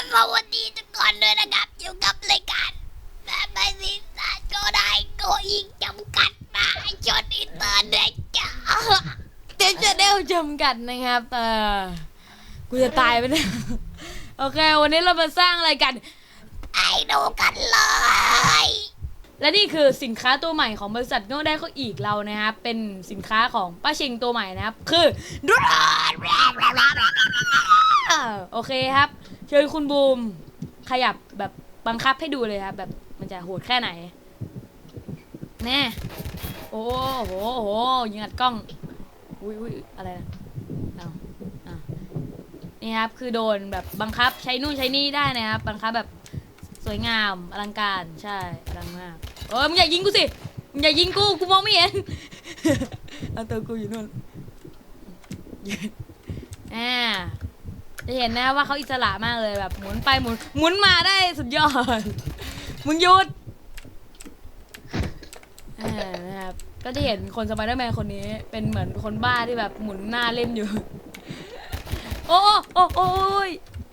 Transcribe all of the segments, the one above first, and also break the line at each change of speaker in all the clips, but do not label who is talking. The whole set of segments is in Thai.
สวัสดีทุกคนด้วยนะครับอยู่กับรายการแบบไม่สิ้นสายก็ได้ก็อีกจำกัดนะจนอินเตอร์เน็ตจ้า
เต็มจะเด้วจำกัดนะครับกูจะตายไปเนี่ยโอเควันนี้เรามาสร้างอะไรกัน
ไอ้ดูกันเลย
และนี่คือสินค้าตัวใหม่ของบริษัทโง่ได้ก็อีกเรานะครับเป็นสินค้าของป้าชิงตัวใหม่นะครับคือดรอนโอเคครับเชิญคุณบูมขยับแบบบังคับให้ดูเลยครับแบบมันจะโหดแค่ไหนแน่โอ้โหยิงอัดกล้องอุ้ยอะไรนะเอานี่ครับคือโดนแบบบังคับใช้นู่นใช้นี่ได้นะครับบังคับแบบสวยงามอลังการใช่อลังมากมึงอย่ายิงกูสิมึงอย่ายิงกูมองไม่เห็นเอาตัวกูอยู่นู่นจะเห็นนะว่าเขาอิสระมากเลยแบบหมุนไปหมุนมาได้สุดยอดมึงหยุดนะครับก็จะเห็นคนสไปเดอร์แมนคนนี้เป็นเหมือนคนบ้าที่แบบหมุนหน้าเล่นอยู่โอ้ย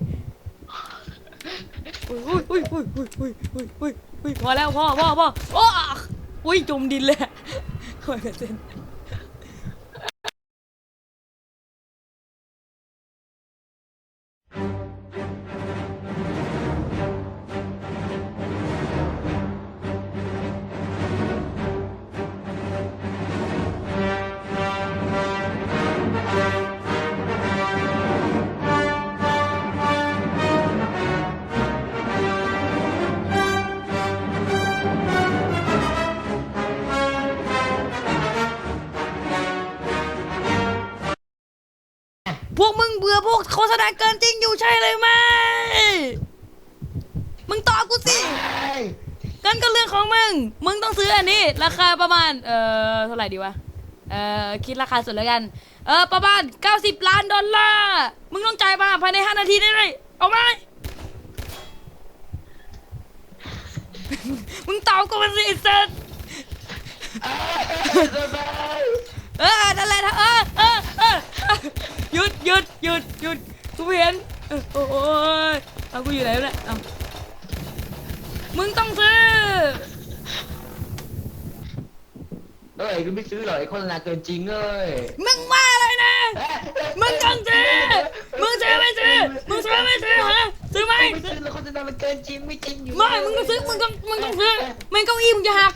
พอแล้วพ่อโอ้อุ้ยจมดินเลยโอ้ยกระเซ็นพวกมึงเบื่อพวกโฆษณาเกินจริงอยู่ใช่เลยไหมมึงตอบกูสิกันก็เรื่องของมึงต้องซื้ออันนี้ราคาประมาณเท่าไหร่ดีวะคิดราคาสุดแล้วกันประมาณ$90 ล้านมึงต้องจ่ายมาภายใน5 นาทีได้เลยเอาไหมมึงตอบกูมาสิเสร็จนั่นแหละหยุดกูเห็นโอ้ยเอากูอยู่ไหนเนี่ยมึงต้องซื้อ
กูไม่ซื้อหรอกไอ้คนละเกินจริง
มึงว่าอะไรนะมึงต้องซื้อมึงซื้อไม่ซื้อฮะซื้อไหม
ไม่ซื้อแล้วคนละมันเกินจริงไม่จริงอยู่
ไม่มึงต้องซื้อมึงต้องซื้อไม่เก้าอี้มึงจะหัก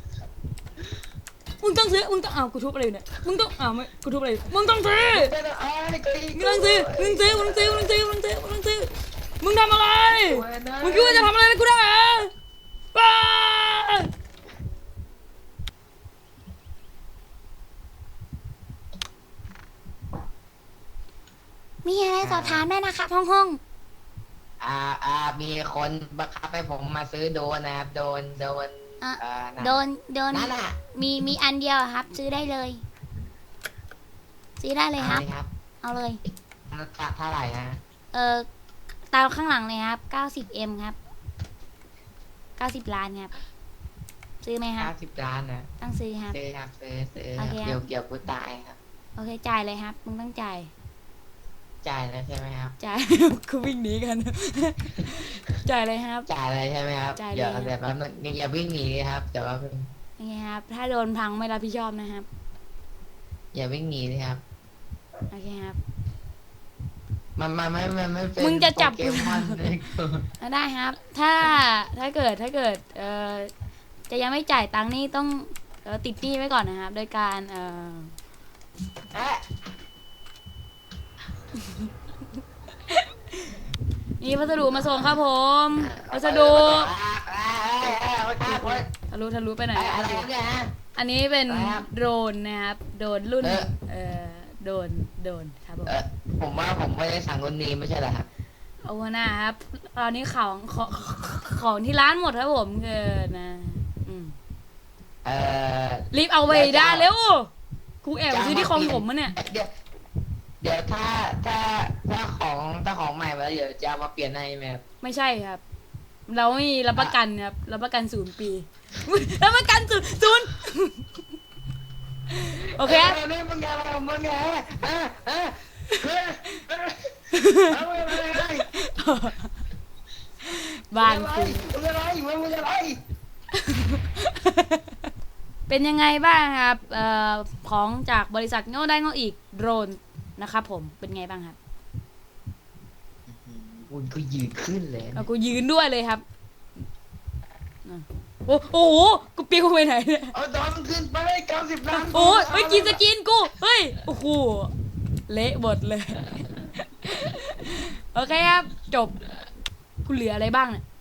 มึงต้องซื้อกูทุบอะไรอยู่เนี่ยมึงต้องไม่กูทุบอะไรมึงต้องซื้อมึงทำอะไรมึงคิดว่าจะทำอะไรกูได้เหรอ
มีอะไรสอบถามได้นะครับห้อง
มีคนบังคับให้ผมมาซื้อโดนนะครับโดน
นั่นน่ะมีอันเดียวครับซื้อได้เลยครับเอาเลย
เท่าไหร่นะ
ตามข้างหลังเลยครับ90M ครับ90 ล้านครับซื้อไหมครับ
90 ล้านนะ
ต้องซื้อครับ
ซื้อ
โอเค
เกี่ยวกูตายครับ
โอเคจ่ายเลยครับมึงต้องจ่าย
แล้วใช่ไหมครับ
จ่ายกูวิ่งหนีกันจ่ายเลยครับ
จ่ายเลยใช่ไหมครับเดี๋ยวแบบอย่าวิ่งหนีครับเดี๋ยวว่า
โอเคครับถ้าโดนพังไม่รับผิดชอบนะครับ
อย่าวิ่งหนีเลยครับ
โอเคครับ
มันไม่เป็น
มึงจะจับ
กู
ได้ครับถ้าเกิดจะยังไม่จ่ายตังค์นี่ต้องติดหนี้ไว้ก่อนนะครับโดยการ
นี่พัสดุมาส่งครับผมพัสดุทะลุไปไหนอันนี้เป็นโดรนนะครับโดรนรุ่นโดนครับ
ผมว่าผมไม่ได้สั่งรุ่นนี้ไม่ใช่เหรอครับ
โอ้นะครับตอนนี้ของที่ร้านหมดครับผมเกินนะรีบเอาไปได้เร็วกูแอบซื้อที่คลองผมมาเนี่ย
เดี๋ยวถ้าของใหม่มาเดี๋ยวจะมาเปลี่ยนให้ไหมครับ
ไม่ใช่ครับเราไม่รับประกันครับรับประกัน0 ปีรับประกันศูนย์โอเค
มึงไง
บ้าน
มึง
กู
อะไรมึงอะไร
เป็นยังไงบ้างครับของจากบริษัทโง่ได้โง่อีกโดรนนะครับผมเป็นไงบ้างครับ
คุณก็ยืนขึ้นเลย
เอากูยืนด้วยเลยครับโอ้โหกูปิ้วไปไหนเนี่ย
เอาดอนขึ้นไป90 ล้าน
โอ้ยเฮ้ยกินสกินกูเฮ้ยโอ้โหเละหมดเลย โอเคครับจบกูเหลืออะไรบ้างเนี่ย